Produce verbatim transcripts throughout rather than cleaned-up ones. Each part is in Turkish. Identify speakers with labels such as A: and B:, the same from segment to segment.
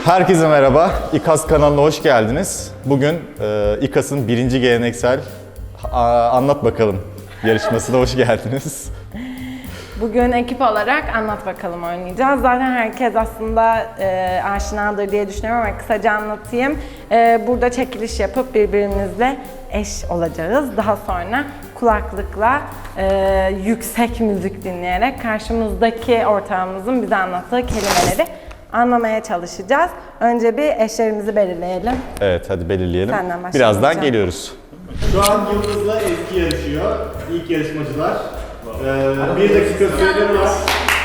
A: Herkese merhaba, İKAS kanalına hoş geldiniz. Bugün e, İKAS'ın birinci geleneksel a, Anlat Bakalım yarışmasına hoş geldiniz.
B: Bugün ekip olarak Anlat Bakalım oynayacağız. Zaten herkes aslında e, aşinadır diye düşünüyorum ama kısaca anlatayım. E, burada çekiliş yapıp birbirimizle eş olacağız. Daha sonra kulaklıkla e, yüksek müzik dinleyerek karşımızdaki ortağımızın bize anlattığı kelimeleri anlamaya çalışacağız. Önce bir eşlerimizi belirleyelim.
A: Evet, hadi belirleyelim.
B: Senden başlayalım
A: Birazdan
B: hocam.
A: geliyoruz.
C: Şu an Yıldız'la Ezgi yarışıyor. İlk yarışmacılar. Ee, bir dakika süreleri var.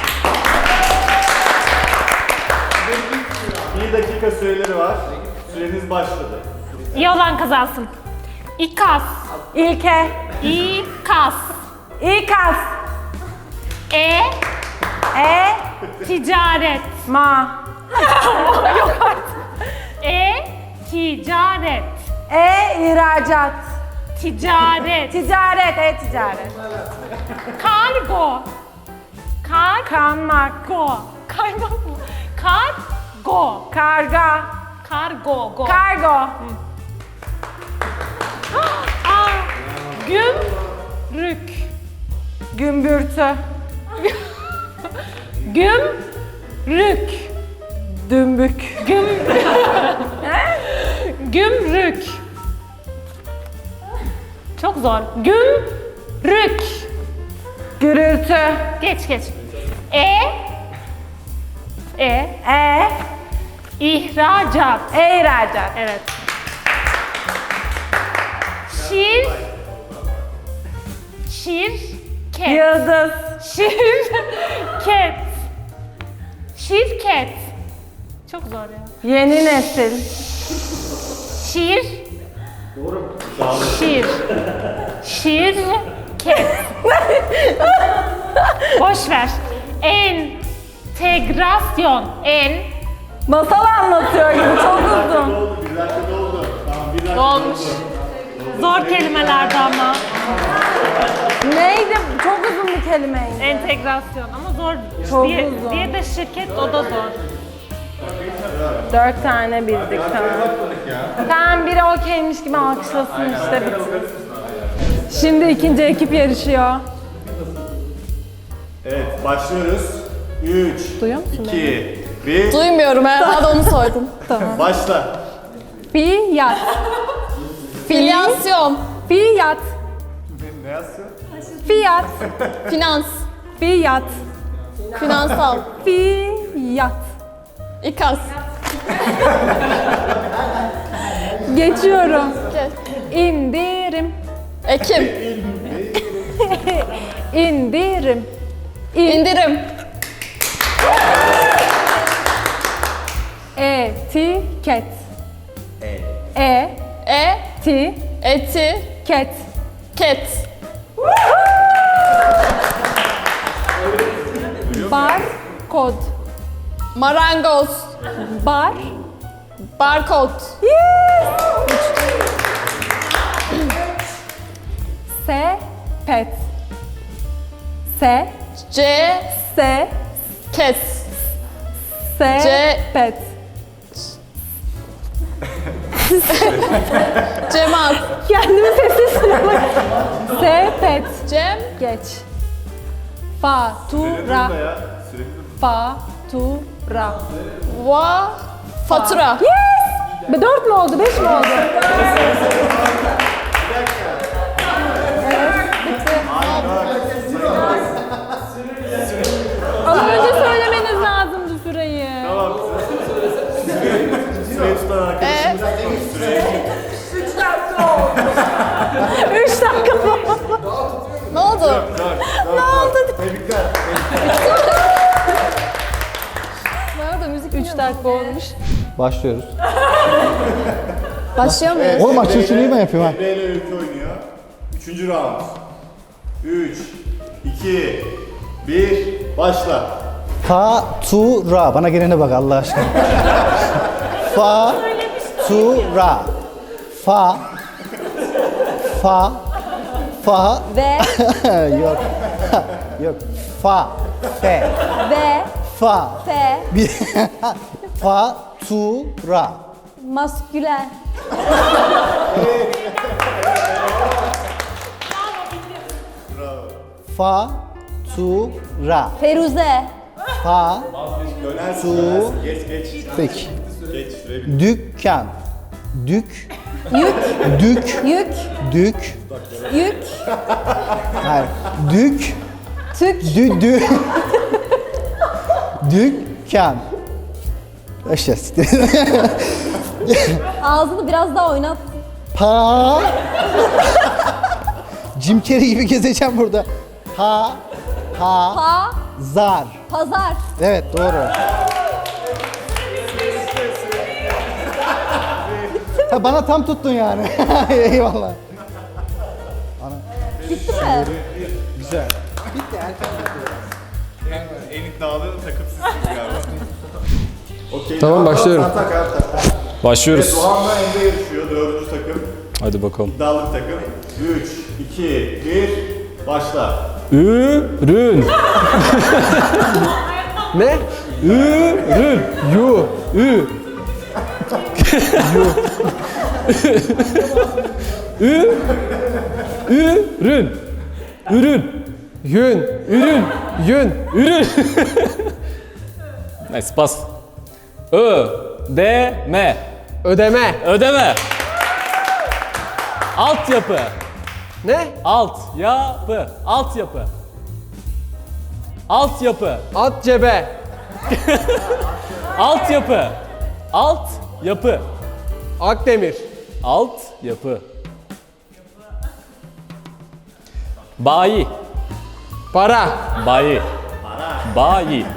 C: Bir dakika süreleri var. Süreniz başladı.
D: İyi olan kazansın. İKAS.
B: İlke,
D: İKAS.
B: İKAS,
D: E.
B: E,
D: Ticaret.
B: Ma,
D: E. Ticaret.
B: E, ihracat,
D: Ticaret.
B: ticaret, e-ticaret,
D: Kargo. Kargo.
B: kanmak,
D: Kaymak mı? Kargo.
B: karga,
D: Kargo. Go.
B: kargo,
D: Aa. Gümrük.
B: gümbürtü,
D: Gümrük.
B: dümbük,
D: Güm. Gümrük. Çok zor. Gümrük.
B: gürültü,
D: Geç geç. E. E.
B: e,
D: İhracat.
B: e-ihracat,
D: Evet. Şir. Şirket.
B: yıldız,
D: Şirket. Şirket. Çok zor ya.
B: yeni nesil,
D: Şir. Şir. Şirket. Boş ver. Entegrasyon. En.
B: masal anlatıyor gibi çok uzun.
C: Doldu, bir dakika doldu. Tamam, bir dakika
D: Dolmuş.
C: doldu.
D: Zor kelimelerdi ama.
B: Neydi? Çok uzun bir kelimeydi.
D: Entegrasyon ama zor.
B: Çok
D: diye,
B: uzun.
D: diye de şirket o da zor.
B: Dört tane bildik tamam. Tamam biri okeymiş gibi alkışlasın işte bitsin. Şimdi ikinci ekip yarışıyor.
C: Evet, başlıyoruz. üç,
B: Duyuyor musun
C: iki, bir,
E: Duymuyorum herhalde onu sordum.
C: başla.
B: Fiyat.
E: Filyasyon,
B: Fiyat.
C: Ne yazsın?
B: Fiyat.
E: finans,
B: Fiyat.
E: finansal,
B: Fiyat.
E: İKAS,
B: Geçiyorum.
E: Geç.
B: İndirim.
E: Ekim,
B: İndirim. İn.
E: indirim,
B: Etiket. E.
E: e,
B: Ti.
E: eti,
B: Ket.
E: ket,
B: Bar. Kod.
E: marangoz,
B: Bar.
E: barkod,
B: Sepet. Se.
E: ce,
B: Se.
E: kes,
B: Sepet.
E: cemaat,
B: Kendimi sessiz bak. Sepet.
E: cem,
B: Geç. Fatura.
C: Ya, süreniz
B: Fatura.
E: va, fatura,
B: Yes! Be dört mü oldu, beş mi oldu? Evet, bitti. Ama önce söylemeniz lazımdı süreyi.
C: Tamam. Süreyi tutan arkadaşımız tutmadı. Süreyi
B: Üç dakika mı?
E: ne oldu?
C: Ne oldu? Tebrikler.
E: Nerede müzik?
B: Üç dakika olmuş.
F: Başlıyoruz.
E: Başlıyor muyuz?
F: Oğlum açılışını ben yapıyorum ha.
C: Emre ile Öykü oynuyor. Üçüncü round. Üç, iki, bir, başla.
F: Fatura. Bana gelene bak Allah aşkına. Fatura. Fa. Fa. Fa.
B: Ve,
F: Yok. Yok. Fa. Fe.
B: ve,
F: Fa.
B: fe,
F: Bir. Fa. Fatura.
E: Maskülen.
F: Fatura.
E: Feruze.
F: Fa.
C: Dönersin,
F: Tu.
C: dönersin. Geç geç.
F: Peki.
C: Geç şuraya bir.
F: Dükkan. Dük.
E: Yük.
F: Dük.
E: Yük.
F: Dük.
E: Yük.
F: Hayır. Dük.
E: Tük.
F: Dü. Dü. Dükkan. İşte.
E: Ağzını biraz daha oynat.
F: Pa. Jim Carrey gibi gezeceğim burada. Pa. Pa.
E: Pa.
F: Zar.
E: Pazar.
F: Evet doğru. Ha, bana tam tuttun yani. Eyvallah.
E: Bitti mi?
F: Güzel.
C: En iddialı takım sizsiniz galiba. Okey.
G: Tamam,
C: devam.
G: başlıyorum.
C: Sen tak abi, tak. Evet,
G: Başlıyoruz.
C: Doğan'la Emre yarışıyor. Dördüncü takım.
G: Hadi bakalım.
C: İddialı takım. üç, iki, bir, başla.
G: Ürün. Ne? Ürün. Yu. Ü. Yu. Ü. Ürün. Ürün. Yün. Ürün. Yün. Ürün. Neyse pas. Ö. D. M. Ödeme. Ödeme. Altyapı. Ne? Alt yapı. Altyapı. Altyapı. At cebe. Altyapı. Alt yapı. Akdemir. Alt yapı. Bayi. Para. Bayi. Bayi.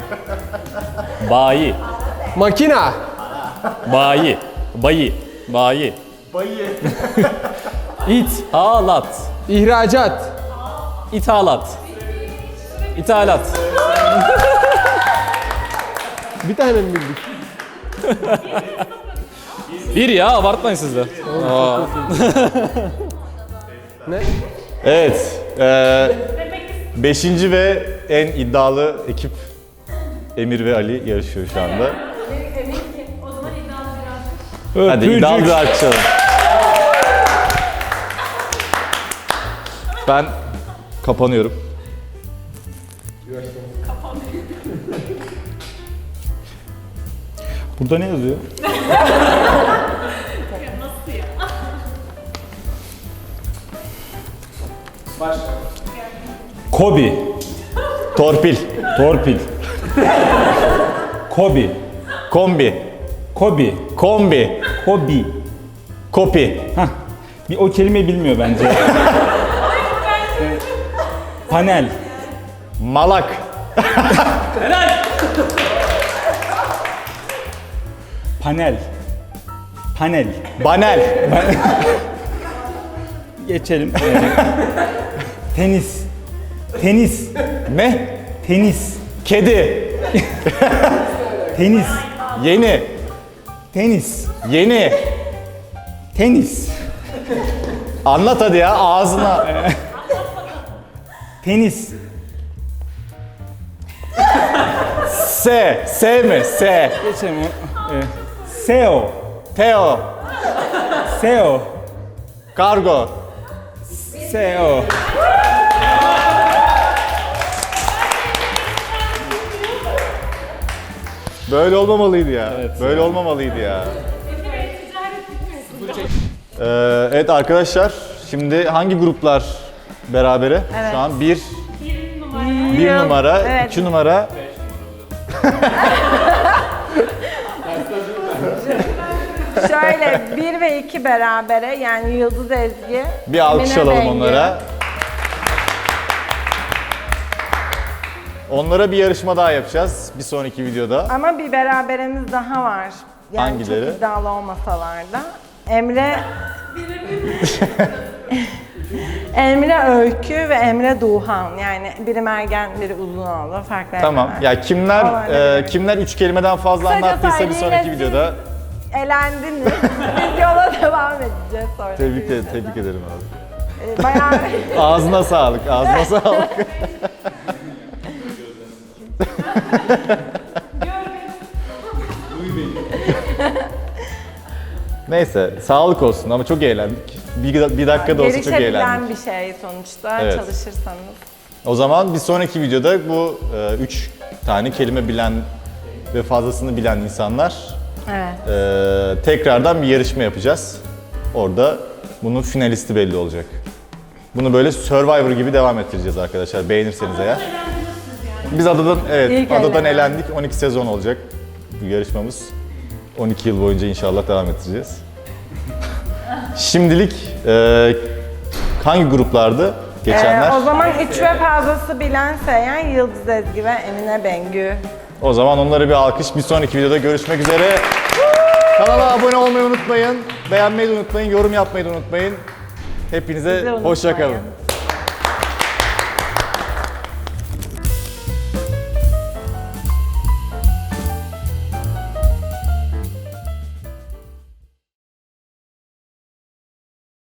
G: Bayi. Makina. Bayi. Bayi. Bayi.
C: Bayı.
G: İthalat. İhracat. İthalat. İthalat. Bir tane mi bildik? Bir ya, abartmayın siz de. Aa.
A: Evet. E, beşinci ve en iddialı ekip Emir ve Ali yarışıyor şu anda. Hadi iddialı bir alkış alalım. Ben kapanıyorum. Burada ne yazıyor?
G: Kobi.
A: Torpil.
G: Torpil. Kobi.
A: Kombi.
G: Kobi.
A: Kombi.
G: Kobi.
A: Kopi.
G: Hah. Bir o kelimeyi bilmiyor bence. Ee, Panel.
A: Malak.
G: Panel. Panel.
A: Banel.
G: Geçelim. Ee, tenis. Tenis.
A: Ne?
G: Tenis.
A: Kedi.
G: Tenis.
A: Yeni.
G: Tenis.
A: Yeni.
G: Tenis.
A: Anlat hadi ya ağzına.
G: Tenis.
A: S. S mi? S.
G: Geçelim. Ee, S E O.
A: Teo.
G: S E O.
A: Kargo.
G: S E O.
A: Böyle olmamalıydı ya. Böyle olmamalıydı ya. Ee, evet arkadaşlar, şimdi hangi gruplar berabere?
B: Evet.
A: Şu an bir, bir
B: Yıl-
A: numara,
B: evet.
A: iki numara.
B: Şöyle bir ve iki berabere, yani Yıldız Ezgi.
A: Bir alkış
B: Emine
A: alalım
B: Bengi.
A: onlara. Onlara bir yarışma daha yapacağız bir sonraki videoda.
B: Ama bir beraberimiz daha var. Yani
A: Hangileri?
B: çok iddialı olmasalar da. Emre... Emre Öykü ve Emre Duhan. Yani biri Mergen, biri Uzunoğlu. Farklı
A: Tamam.
B: Emreler.
A: Ya kimler
B: Olabilir.
A: e, kimler üç kelimeden fazla
B: Kısaca
A: anlattıysa bir
B: söyleyeyim,
A: sonraki
B: siz
A: videoda
B: elendiniz. Biz yola devam edeceğiz sonra.
A: tebrik ederim, tebrik ederim abi.
B: Ee, Bayağı...
A: Ağzına sağlık, ağzına sağlık. Neyse sağlık olsun ama çok eğlendik. Bir, bir dakika da olsa çok
B: Gelişebilen
A: eğlendik.
B: bir şey sonuçta
A: Evet.
B: çalışırsanız.
A: O zaman bir sonraki videoda bu e, üç tane kelime bilen ve fazlasını bilen insanlar
B: Evet.
A: e, tekrardan bir yarışma yapacağız. Orada bunun finalisti belli olacak. Bunu böyle Survivor gibi devam ettireceğiz arkadaşlar beğenirseniz eğer. Biz adadan evet
B: İlk
A: adadan
B: elenen.
A: elendik. on iki sezon olacak bu yarışmamız. on iki yıl boyunca inşallah devam ettireceğiz. Şimdilik e, hangi gruplardı geçenler?
B: Ee, o zaman üç ve fazlası bilen Seyhan, Yıldız Ezgi ve Emine Bengü.
A: O zaman onlara bir alkış. Bir sonraki videoda görüşmek üzere. Kanala abone olmayı unutmayın. Beğenmeyi de unutmayın. Yorum yapmayı da unutmayın. Hepinize
B: Bizi
A: hoşça kalın.
B: unutmayın.